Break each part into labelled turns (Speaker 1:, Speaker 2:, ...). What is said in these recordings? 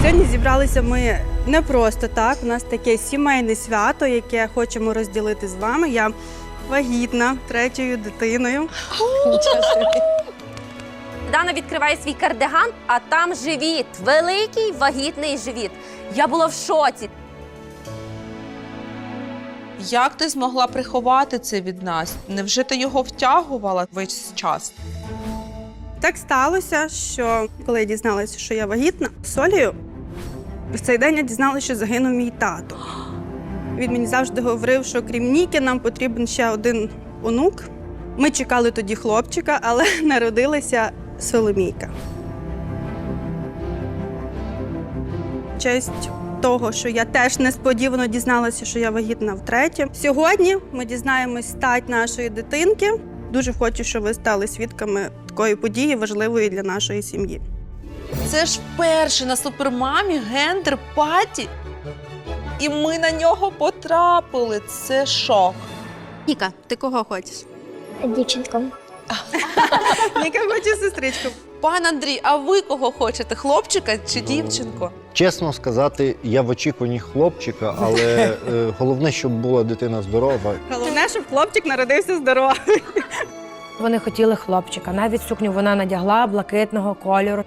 Speaker 1: Сьогодні зібралися ми не просто так. У нас таке сімейне свято, яке хочемо розділити з вами. Я вагітна 3-ю дитиною.
Speaker 2: Дана відкриває свій кардиган, а там живіт. Великий вагітний живіт. Я була в шоці.
Speaker 3: Як ти змогла приховати це від нас? Невже ти його втягувала весь час?
Speaker 1: Так сталося, що коли я дізналася, що я вагітна з Олею, в цей день я дізналася, що загинув мій тато. Він мені завжди говорив, що крім Ніки нам потрібен ще один онук. Ми чекали тоді хлопчика, але народилася Соломійка. В честь того, що я теж несподівано дізналася, що я вагітна втретє. Сьогодні ми дізнаємось стать нашої дитинки. Дуже хочу, щоб ви стали свідками такої події, важливої для нашої сім'ї.
Speaker 3: Це ж вперше на супермамі гендер-паті. І ми на нього потрапили. Це шок.
Speaker 1: Ніка, ти кого хочеш?
Speaker 4: Дівчинку.
Speaker 1: Ніка хоче сестричку.
Speaker 3: Пан Андрій, а ви кого хочете? Хлопчика чи дівчинку?
Speaker 5: Чесно сказати, я в очікуванні хлопчика, але головне, щоб була дитина здорова.
Speaker 1: Головне, щоб хлопчик народився здоровий.
Speaker 6: Вони хотіли хлопчика. Навіть сукню вона надягла блакитного кольору.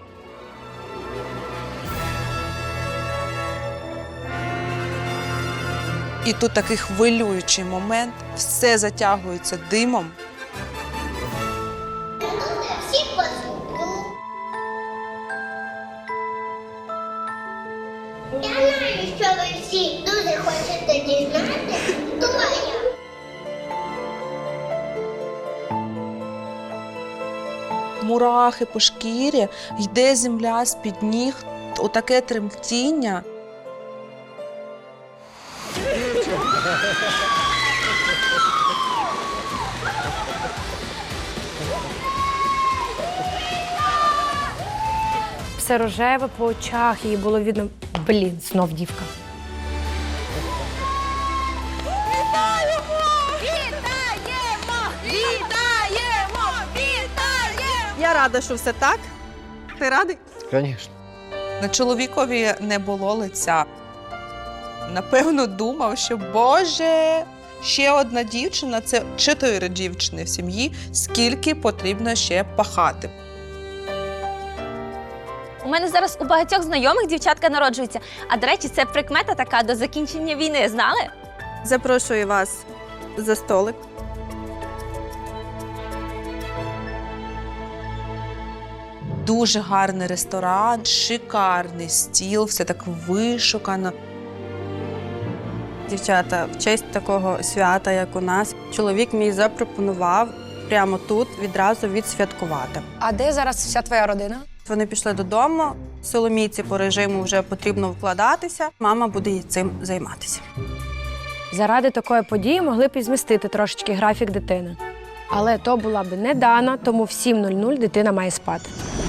Speaker 3: І тут такий хвилюючий момент. Все затягується димом.
Speaker 4: Всі позбуду. Я знаю, що ви всі дуже хочете дізнатися, хто я.
Speaker 3: Мурахи по шкірі, йде земля з-під ніг, отаке тремтіння.
Speaker 6: Все рожеве по очах, їй було видно, блін, знов дівка.
Speaker 1: Я рада, що все так. Ти радий?
Speaker 5: Звісно.
Speaker 3: На чоловікові не було лиця. Напевно, думав, що, Боже, ще одна дівчина – це 4 дівчини в сім'ї, скільки потрібно ще пахати.
Speaker 2: У мене зараз у багатьох знайомих дівчатка народжуються. А, до речі, це прикмета така до закінчення війни, знали?
Speaker 1: Запрошую вас за столик.
Speaker 3: Дуже гарний ресторан, шикарний стіл, все так вишукано.
Speaker 1: Дівчата, в честь такого свята, як у нас, чоловік мій запропонував прямо тут відразу відсвяткувати.
Speaker 7: А де зараз вся твоя родина?
Speaker 1: Вони пішли додому, Соломійці по режиму вже потрібно вкладатися, мама буде цим займатися.
Speaker 6: Заради такої події могли б і змістити трошечки графік дитини. Але то була б не Дана, тому в 7:00 дитина має спати.